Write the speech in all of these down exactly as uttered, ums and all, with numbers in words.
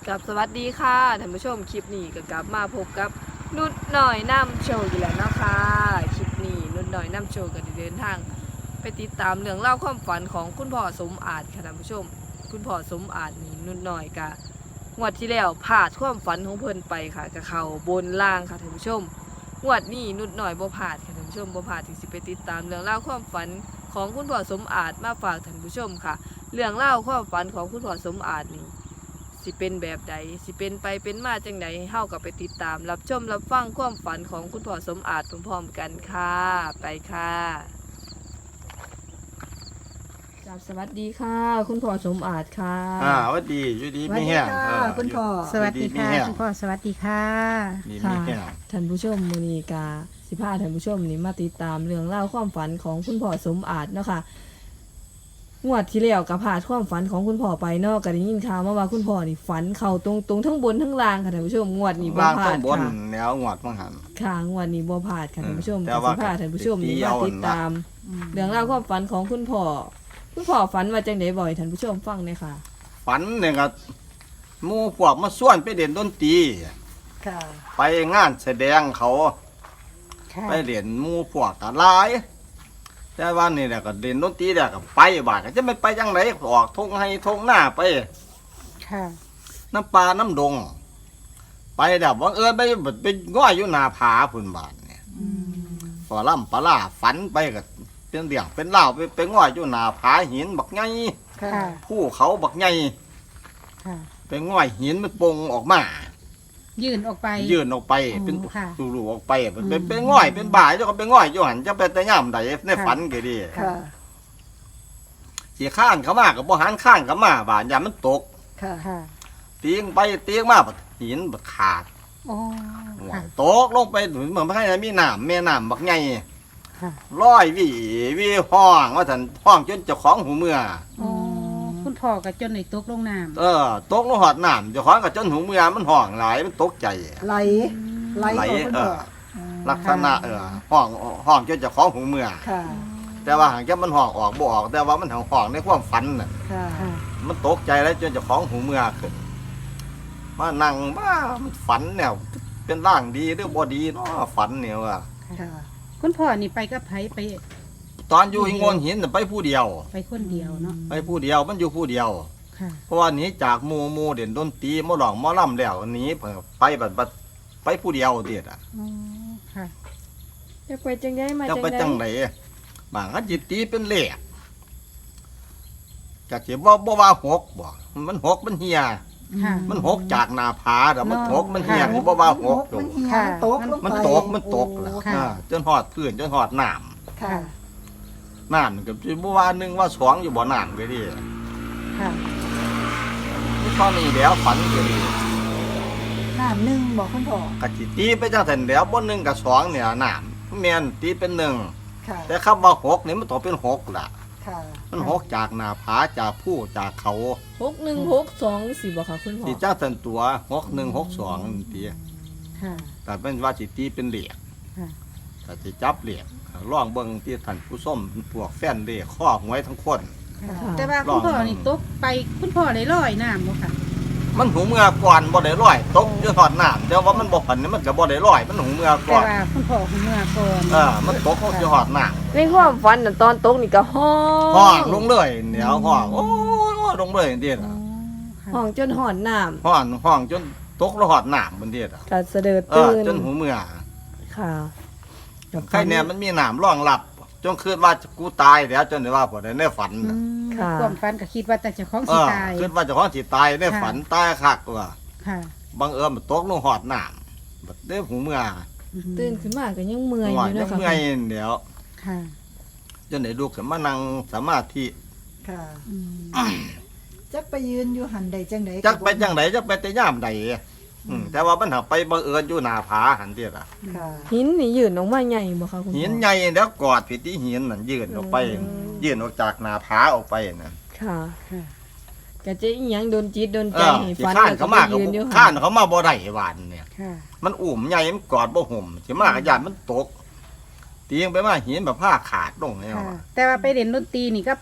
กับสวัสดีค่ะท่านผู้ชมคลิปนี้ก็กลับมาพบกับนุดหน่อยน้ำโชว์อยู่แล้วนะคะคลิปนี้นุดหน่อยน้ำโชว์ก็ได้เดินทางไปติดตามเรื่องเล่าความฝันของคุณพ่อสมอาจค่ะท่านผู้ชมคุณพ่อสมอาจนี่นุดหน่อยกะงวดที่แล้วพลาดความฝันของเพิ่นไปค่ะกับเขาบนล่างค่ะท่านผู้ชมงวดนี้นุดหน่อยบ่พลาดค่ะท่านผู้ชมบ่พลาดที่สิไปติดตามเรื่องเล่าความฝันของคุณพ่อสมอาจมาฝากท่านผู้ชมค่ะเรื่องเล่าความฝันของคุณพ่อสมอาจนี่สิเป็นแบบใดสิเป็นไปเป็นมาจังใดเฮาก็ไปติดตามรับชมรับฟังความฝันของคุณพ่อสมอาจพร้อมๆกันค่ะไปค่ะจับสวัสดีค่ะ คุณพ่อสมอาจค่ะอ่าสวัสดีอยู่ดีไม่แห้งสวัสดีค่ะเออคุณพ่อยู่สวัสดีค่ะไม่แห้งคุณพ่อสวัสดีค่ะดีไม่ค่ะแห้งท่านผู้ชมมื้อนี้กาสิพาท่านผู้ชมนี่มาติดตามเรื่องเล่าวความฝันของคุณพ่อสมอาจเนาะค่ะงวดที่แล้วก็พลาดความฝันของคุณพ่อไปเนาะก็ได้ยินข่าวมาว่าคุณพ่อนี่ฝันเข้าตรงๆทั้งบนทั้งล่างค่ะท่านผู้ชมงวดนี้บ่ล่างพลาต้ดนบนค่ะแนวหงวดมังหันค่ะงวดนี้บ่พลาดค่ะท่านผู้ชมแต่ก็ว่าสิพาท่านผู้ชมนี่ตีมาเอาติดตาม เรื่องราวความฝันของคุณพ่อคุณพ่อฝันว่าจังไดบ่อยท่านผู้ชมฟังหน่อยค่ะฝันเนี่ยก็หมู่พวกมาส่วนไปเด่นดนตรีค่ะไปงานแสดงเขาค่ะไปเด่นหมู่พวกกันหลาย แต่ว่านี่แหละก็เด่นดนตรีแหละก็ไปบาดก็จะไม่ไปจังไหนออกทงให้ทงหน้าไปค่ะน้ำปลาน้ำดง ไปแบบว่าเออไปไปง่อยอยู่หนาผาพุ่นบาทเนี่ยอืมปลาล่ำปลาล่าฝันไปกับเป็นเดี่ยงเป็นเล่าวไปไปง่อยอยู่หนาผาหินบักไงค่ะผู้เขาบักไงค่ะไปง่อยหินมันปงออกมายื่นออกไปยื่นออกไปอ๋อเป็นค่ะรูๆออกไปเป็นอืมเป็นเป็นง่อยเป็นบ่ายเจ้าก็ไปง่อยอยู่หันจะไปแต่ย่ำใดในฝันก็ดีค่ะสีข้านเขามากับบ่หันข้านเขามาบาดยามมันตกค่ะ ค่ะเตียงไปเตียงมาบัดหินบัดขาดอ๋อค่ะตกลงไปเหมือนเหมือนไม่ให้มีน้ำแม่น้ำบักไงค่ะร้อยวิวิห้องว่าสันห้องจนเจ้าของหูเมื่ออ๋อคุณพ่อกับจนในตกลงน้ำเออตกลงหอดน้ำเจ้าของกับจนหูเมื่อมันห้องหลายมันตกใจไหลไหลไหลของคุณเอพ่ออลักษณะเออห้องห้องจนเจ้าของหูเมื่อค่ะแต่ว่าหางแค่มันห้องออกบ่ออก แต่ว่ามันห้องห้องในความฝันน่ะค่ะค่ะมันตกใจแล้วจนเจ้าของหูเมื่อขึ้นมานั่งมามันฝันเนี่ยเป็นร่างดีหรือบ่ดีเนาะฝันเนี่ยว่าค่ะคุณพ่อนี่ไปกับไผไปตอนอยู่หิงโงนหินน่ะไปผู้เดียวไปคนเดียวเนาะไปผู้เดียวมันอยู่ผู้เดียวค่ะเพราะว่าหนีจากหมู่หมู่เด่นดนตรีหมอหลองหมอลำแล้วหนีเพิ่นไปบัดบัดไปผู้เดียวเดียดอ่ะอ๋อ ค่ะจะไปจังไดมาจะจังไปไดจังไหนบางอันจิตตีเป็นเลขจากสิบ่บ่ว่าหกบ่มันหกมันเฮียค่ะมันหกจากหน้าผาแต่มันเนาะหกมันเฮียค่ะนี่บ่ว่าหกมันเหี่ยค่ะมันตกลงไปมันตกมันตกแล้วค่ะอ่าจนหอดพื้นจนหอดน้ค่ะำน้ำก็สิบ่ว่าหนึ่งว่าสองอยู่บ่น้ำก็ดีค่ะนี่ตอนนี้แล้วฝันก็ดีน้ำหนึ่งบอกคุณพ่อกะจิตีไปจังซั่นแล้วบ่หนึ่งกับสองเนี่ยน้ำแม่นตีเป็นหนึ่งค่ะแต่คำว่าหกนี่มันต้องเป็นหกล่ะค่ะมันหกจากหน้าผาจากผู้จากเขาหกหนึ่งหกสองสิบ่ค่ะคุณพ่อที่จ้าสันตัวหกหนึ่งหกสองตีค่ะแต่เป็นว่าสิตีเป็นเหลียกค่ะแต่สิจับเหลียกล่องเบิ่งที่ท่านผู้ส้มพวกแฟนเด็กข้อหวยทั้งคนค่ะ แต่ว่าคุณพ่อนี่ตกไปคุณพ่อได้ลอยน้ำบ่ค่ะมันหูเมื่อก่อนบ่ได้ร้อยตกอยู่ทอดน้ำแต่ว่ามันบ่พันนี่มันก็บ่ได้ร้อยมันหูเมื่อแต่ก่อนว่าคุณพ่อคุณเมื่อก่อนเออมันตกอยู่ทอดน้ในความฝันน่ะตอนตกนี่ก็ห้อำห้องลงเลยเดี๋ยวห้องโอ้ยลงเลยเดียดอ๋อค่ะห้องจนหอนน้ำห้องห้องจนตกแล้วหอดน้ำบนเดียดก็เสด็จเอตื่อน จนหูเมื่อค่ะใครเนี่ยมันมีหนามร่องหลับจนคิดว่ากูตายแล้วจนได้ว่าพอได้ในฝันอืน่ะมค่ะความฝันก็คิดว่าแต่เจ้าของเอสิอตายคิดว่าเจะของสิตายในฝันตายคักว่าค่ะบังเอิญมันตกลงหอดหนามบัดได้หูเมื่อตื่นขึ้นมาก็ยังเมื่อยหัอวยู่ยันะงคะเมื่อยเดี๋ยวค่ะจนได้ลูกขึ้นมานั่งสมาธิค่ะอืมจักไปยืนอยู่หันใดจังใดจักไปจังไดจักไปแต่ย่ามใดอืมแต่ว่ามันหักไปบังเอิญอยู่หน้าผาหันเดียดอ่ะค่ะหินนี่ยืนออกมาใหญ่บ่คะคุณพ่อหินใหญ่แล้วกอดผิดที่หินนั่นยื่นออกไปอืมยื่นออกจากหน้าผาออกไปนั่นค่ะค่ะก็จะอีหยังโดนจิตโดนเอใจอให้สิฝันข้านแล้วก็เขาไปมาก็ยืนอยู่ข้าหั่นนเขามาบ่ได้หวานเนี่ยค่ะมันอุ่มใหญ่มันกอดบ่ห่มสิมากระยานมันตกตีงไปมาหินแบบผ้าขาดลงแล้วค่ะอะแต่ว่าไปเรียนดนตรีนี่ก็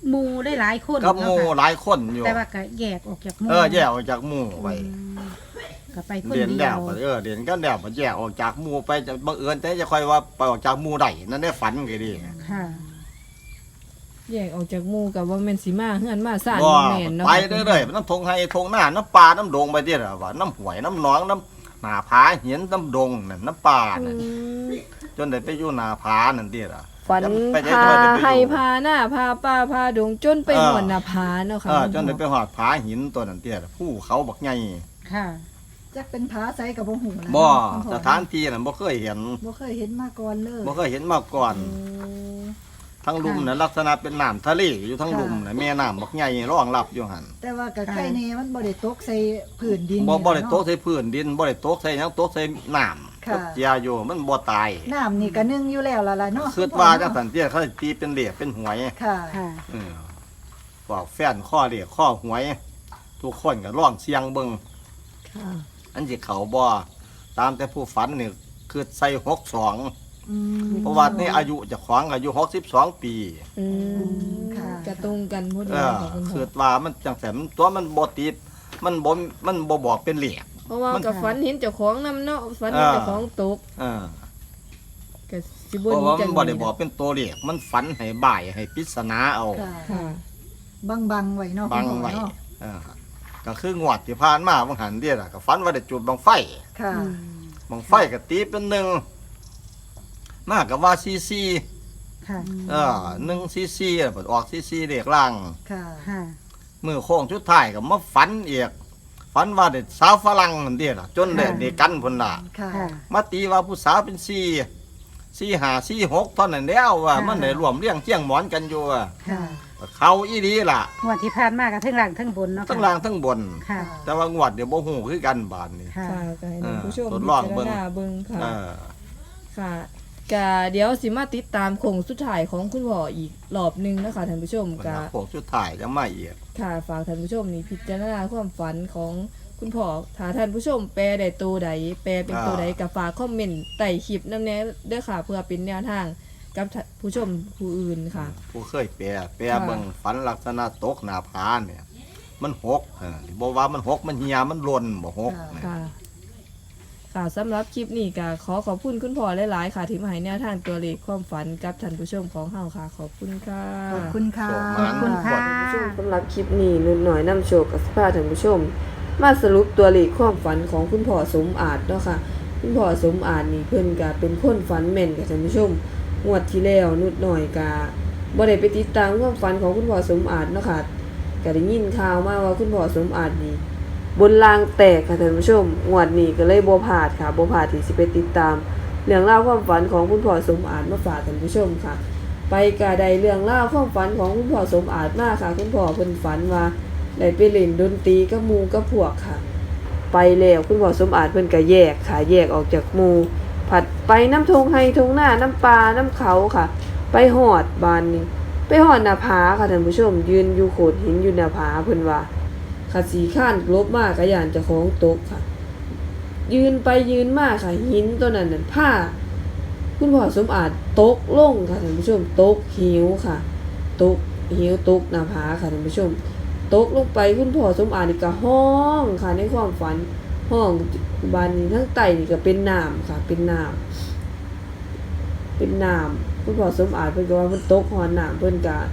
หมู่ได้หลายคนกับหมู่เนาะค่ะหลายคนอยู่แต่ว่าก็แยกออกจากหมู่เออแยกออกจากหมู่ไปอืมก็ไปคนเรียนเดีแล้ยว วก็เออเรียนกันแล้วก็แยกออกจากหมู่ไปจะบังเอิญแต่จะค่อยว่าไปออกจากหมู่ได้นั่นได้ฝันก็ดีค่ะแยกออกจากหมู่กับว่าแม่นสิมาเฮือนมาซ่านบ่บ่แม่นเนาะไปเรื่อยๆน้ำทงไห้ทงหน้าน้ำปลาน้ำดงไปเรื่อยว่าน้ำห้วยน้ำหนองน้ำหน้าผาเหียนน้ำดงนั่นน้ำปลาอืนั่นมจนได้ไปอยู่หน้าผานั่นเด้ล่ะฝันไปได้พาด้วยได้ไปอยู่ให้พาหน้าพาป้าพาดงจนไปเออหวนหน้าผาเนาะค่ะเออจนได้ไปหอดผาหินตัวนั้นเตี้ยผู้เขาบักใหญ่ค่ะจักเป็นผาไสกับบ่ฮู้นะบ่คุณพ่อสถานที่นั้นบ่เคยเห็นบ่เคยเห็นมาก่อนเลยบ่เคยเห็นมาก่อนโอ้ทั้งลุมน่ะลักษณะเป็นน้ำทะเลอยู่ทั้งลุมน่ะแม่น้ำบักใหญ่รองรับอยู่หั่นแต่ว่ากับไข่เนมันบ่ได้ตกใส่พื้นดินบ่บ่ได้เนาะตกใส่พื้นดินบ่ได้ตกใส่หยังตกใส่น้ำค่ะเจียอยู่มันบ่ตายน้ำนี่ก็นึ่งอยู่แล้วล่ะล่ะเนาะคิดว่าจังซั่นเตี้ยเขาสิตีเป็นเหลียเป็นหวยค่ะค่ะเออบอกแฟนข้อเหลียข้อหวย ทุกคนก็ร้องเสียงเบิ่งค่ะอันสิเขาบ่ตามแต่ผู้ฝันนี่คือใส่หกสองอืมเพราะว่านี่อายุเจะขวางอายุหกสิบสองปีอืมค่ะกระตรงกันพอดีเออค่ะคุณพ่คือ อว่ามันจังแสมตัวมันบ่ติดมันบ่มันบ่บอกเป็นเหลียกเพราะว่ามันกับฝันเห็นเจ้าของนำเนาะฝันเห็นเออเจ้าของตกเออก็สิเพบ่ราะหนีว่าจัมังนบ่ได้บอกเป็นตัวเหลียกมันฝันให้บ่ายให้ปริศนาเอาค่ะค่ะบังบังๆไว้เนาะบังคุณพ่อไว้เนาะเออก็คืองวดที่ผ่านมาบางหันเดียล่ะก็ฝันว่าได้จุดบังไฟค่ะบังไฟก็ตีเป็นหนึ่งมากกับว่าซีซีค่ะเออหนึ่งซีซีเปิดออกซีซีเรียกล่างค่ะค่ะมือโค้งชุดท้ายก็มาฝันอีกฝันว่าเด็กสาวฝรั่งนั่นเดียล่ะจนเด็กเด็กกันพุ่นล่ะค่ะค่ะมาตีว่าผู้สาวเป็นซีซีหาซีหกเท่านั้นแล้วว่าค่ะมันได้รวมเลี้ยงเจียงหมอนกันอยู่ว่าค่ะเขาอีดีล่ะงวดที่ผ่านมากับทั้งล่างทั้งบนเนาะทั้งค่ะล่างทั้งบนค่ะแต่ว่างวดเดี๋ยวบ่ฮู้คือกันบานนี้ค่ะค่ะก็ให้ท่านผู้ชมเออทดพิลองจารเบิ่งณาเบิ่งค่ะเออค่ะกะเดี๋ยวสิมาติดตามโคงสุดท้ายของคุณพ่ออีกรอบหนึงนะคะท่านผู้ชมมันกะโค้งชุดท้ายจะมาอีกค่ะฝากท่านผู้ชมนี่พิจารณาความฝันของคุณพ่อถ้าท่านผู้ชมแปลได้ตัวใดแปลเป็นตัวใดก็ฝากคอมเมนต์ใต้คลิปนำแน่เด้อค่ะ เพื่อเป็นแนวทางกับท่านผู้ชมผู้อื่นค่ะผู้เคยแปรแปรค่ะเบิ่งฝันลักษณะตกหน้าผาเนี่ย มันหกเออบ่ว่ามันหกมันเหี่ยมันหล่นบ่หกเนี่ยค่ะ ค่ะสำหรับคลิปนี้ก็ขอขอบคุณคุณพ่อหลายๆค่ะที่มาให้แนวทางตัวเลขความฝันกับท่านผู้ชมของเฮาค่ะ ขอบคุณค่ะขอบคุณค่ะขอบคุณค่ะท่านผู้ชมสำหรับคลิปนี้นุ่นหน่อยนำโชคกับสภาท่านผู้ชม มาสรุปตัวเลขความฝันของคุณพ่อสมอาจเนาะค่ะ คุณพ่อสมอาจนี่เพิ่นก็เป็นคนฝันแม่นกับท่านผู้ชมงวดที่แล้วนุดหน่อยก็บ่ได้ไปติดตามความฝันของคุณพ่อสมอาจเนาะค่ะก็ได้ยินข่าวมาว่าคุณพ่อสมอาจนี่บนรางแตกค่ะท่านผู้ชมงวดนี้ก็เลยบ่พลาดค่ะบ่พลาดที่สิไปติดตามเรื่องราวความฝันของคุณพ่อสมอาจมาฝากท่านผู้ชมค่ะ ไปกะได้เรื่องราวความฝันของคุณพ่อสมอาจมากค่ะ คุณพ่อเพิ่นฝันว่าได้ไปเล่นดนตรีกับหมู่กับพวกค่ะ ไปแล้วคุณพ่อสมอาจเพิ่นก็แยกค่ะแยกออกจากหมู่ผัดไปน้ำทงไห้ทงหน้าน้ำปลาน้ำเขาค่ะ ไปหอดบานนี้ไปหอดหน้าผาค่ะท่านผู้ชม ยืนอยู่โขดหินอยู่หน้าผาเพิ่นว่าค่ะสีข้านลบมากกะยานเจ้าของตกค่ะ ยืนไปยืนมาค่ะหินตัวนั้นน่ะผ้า คุณพ่อสมอาจตกลงค่ะท่านผู้ชมตกหิวค่ะตกหิวตกหน้าผาค่ะท่านผู้ชมตกลงไปคุณพ่อสมอาจนี่ก็ห้องค่ะในความฝันห้องบานนี้ทั้งไตนี่ก็เป็นน้ำค่ะ เป็นน้ำเป็นน้ำคุณพ่อสมอาจเพิ่นก็ว่าเพิ่นตกหอนน้ำเพิ่นก็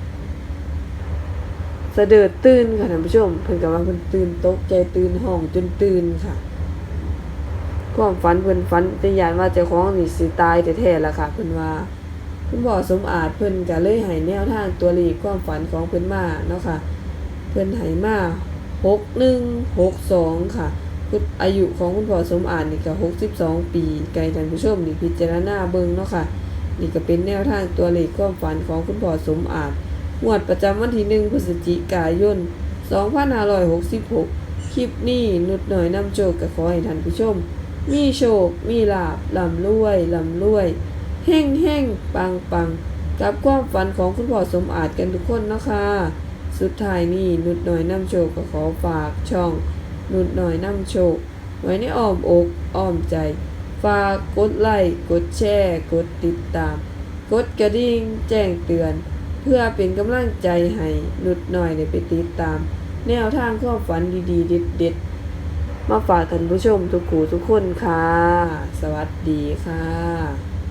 สะเดิดตื่นค่ะท่านผู้ชมเพิ่นก็ว่าเพิ่นตื่นตกใจตื่นห้องจนตื่นค่ะ ความฝันเพิ่นฝันแต่ยานว่าเจ้าของนี่สิตายแท้ๆล่ะค่ะเพิ่นว่าคุณพ่อสมอาจเพิ่นก็เลยให้แนวทางตัวเลขความฝันของเพิ่นมาเนาะค่ะเพิ่นให้มาหกหนึ่ง หกสองค่ะคืออายุของคุณพ่อสมอาจนี่ก็หกสิบสองปีไกลท่านผู้ชมนี่พิจารณาเบิ่งเนาะค่ะนี่ก็เป็นแนวทางตัวเลขความฝันของคุณพ่อสมอาจงวดประจำวันที่หนึ่งพฤศจิกายนสองพันห้าร้อยหกสิบหกคลิปนี้นุดหน่อยนำโชคก็ขอให้ท่านผู้ชมมีโชค มีลาภร่ำรวยร่ำรวยเฮ่งเฮ่งปังปังกับความฝันของคุณพ่อสมอาจกันทุกคนเนาะค่ะสุดท้ายนี้นุดหน่อยนำโชคก็ขอฝากช่องนุดหน่อยนำโชคไว้ในอ้อมอกอ้อมใจ ฝากกดไลค์กดแชร์กดติดตาม กดกระดิ่งแจ้งเตือนเพื่อเป็นกำลังใจให้นุดหน่อยได้ไปติดตาม แนวทางความฝันดีๆเด็ดๆมาฝากท่านผู้ชมทุกคู่ทุกคนค่ะ สวัสดีค่ะ